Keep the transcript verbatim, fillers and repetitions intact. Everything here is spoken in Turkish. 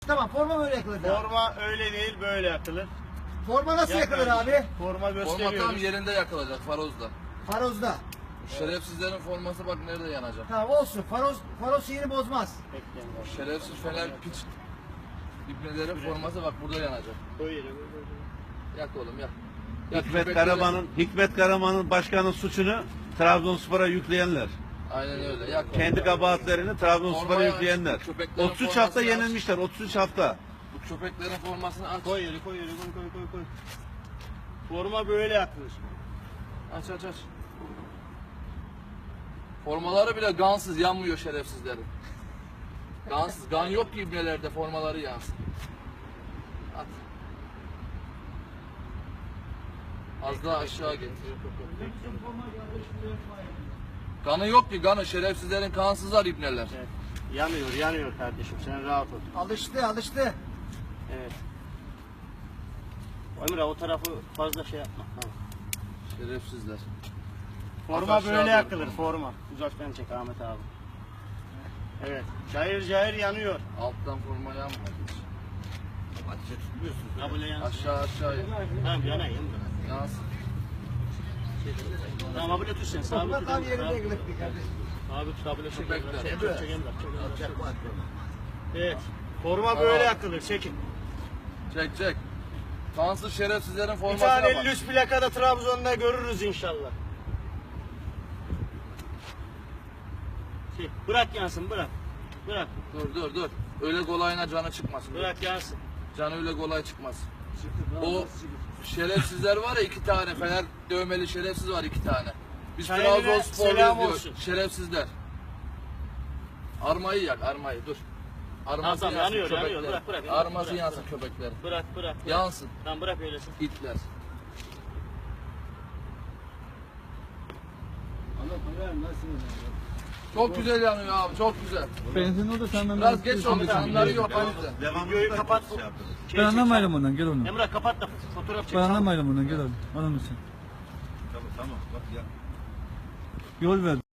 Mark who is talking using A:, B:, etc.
A: Tamam, forma böyle yakılır. Forma,
B: Forma öyle değil, böyle yakılır.
A: forma nasıl yakılır abi?
B: Forma gösteriyoruz.
C: Forma tam yerinde yakılacak farozda.
A: Farozda.
C: Bu şerefsizlerin forması bak nerede yanacak.
A: Tamam olsun. Faroz, faroz sihiri bozmaz.
B: Bekleyin.
C: O şerefsiz fener piç ibnelerin forması bak burada yanacak.
B: Koy yere, koy, koy, koy.
C: Yak oğlum yak. Yak
D: Hikmet
C: köpekleri-
D: Karaman'ın Hikmet Karaman'ın başkanın suçunu Trabzonspor'a yükleyenler.
C: Aynen öyle yak oğlum.
D: Kendi kabahatlerini Trabzonspor'a
C: Formayı
D: yükleyenler.
C: aç, köpeklerin
D: otuz üç hafta
C: formasını aç.
D: yenilmişler. otuz üç hafta.
C: Bu köpeklerin formasını aç.
B: Koy yere, koy yere, koy, koy, koy, koy. Forma böyle yakılır.
C: Aç aç aç. Formaları bile gansız yanmıyor şerefsizlerin. Gansız. Gan yok ki ibnelerde formaları yansın. At. Az daha aşağı getir. Kanı yok ki kanı. Şerefsizlerin kansızlar ibneler.
B: Evet. Yanıyor, yanıyor kardeşim. Sen rahat ol.
A: Alıştı, alıştı.
B: Evet. Emre o tarafı fazla şey yapma. Tamam.
C: Şerefsizler.
B: Forma
C: Aşağı
B: böyle
C: doğru.
B: yakılır, forma. Uzaktan çek Ahmet abi. Evet. Cayır cayır yanıyor.
C: Alttan forma yanmadı.
B: Ha böyle yansın.
C: Aşağı aşağı yan.
B: Tamam yanayım.
C: Yansın.
B: Tamam abi tut sen. Sabit
A: Forma
B: tut.
A: tam yerinde
B: Sabit.
A: yakılır kardeşim.
B: Abi tut abi çek.
C: Bekle.
B: Çek, çek, çek, çek, çek. Evet. Forma böyle yakılır. Çekin.
C: Çek çek. Kansız şerefsizlerin
B: Bir
C: formasına
B: tane
C: bak.
B: elli üç plakada Trabzon'da görürüz inşallah. Şey, bırak yansın bırak. Bırak.
C: Dur dur dur. Öyle kolayına canı çıkmasın.
B: Bırak yansın.
C: Canı öyle kolay çıkmaz. O şerefsizler var ya iki tane. Fener dövmeli şerefsiz var iki tane. Biz
B: Kendine
C: Trabzonsporluyuz
B: selam
C: diyor.
B: olsun.
C: Şerefsizler. Armayı yak armayı dur. Arması
B: Tamam,
C: yansın
B: yanıyor, yanıyor.
C: köpekler.
B: Bırak, bırak,
C: Arması
B: bırak,
C: yansın
B: bırak.
C: köpekler.
B: Bırak bırak. bırak.
C: Yansın.
B: Tamam bırak öylesin.
C: İtler. Çok güzel yanıyor abi çok güzel.
E: Benzin o da senden
C: Biraz geç oldu canları yok o yüzden.
B: Videoyu kapat.
E: Ben anlamayalım ondan, gel onu.
B: Emrah kapat da fotoğraf çek.
E: Ben anlamayalım ondan, gel onu. Onun için.
D: Tamam tamam. Bak ya.
E: Yol ver.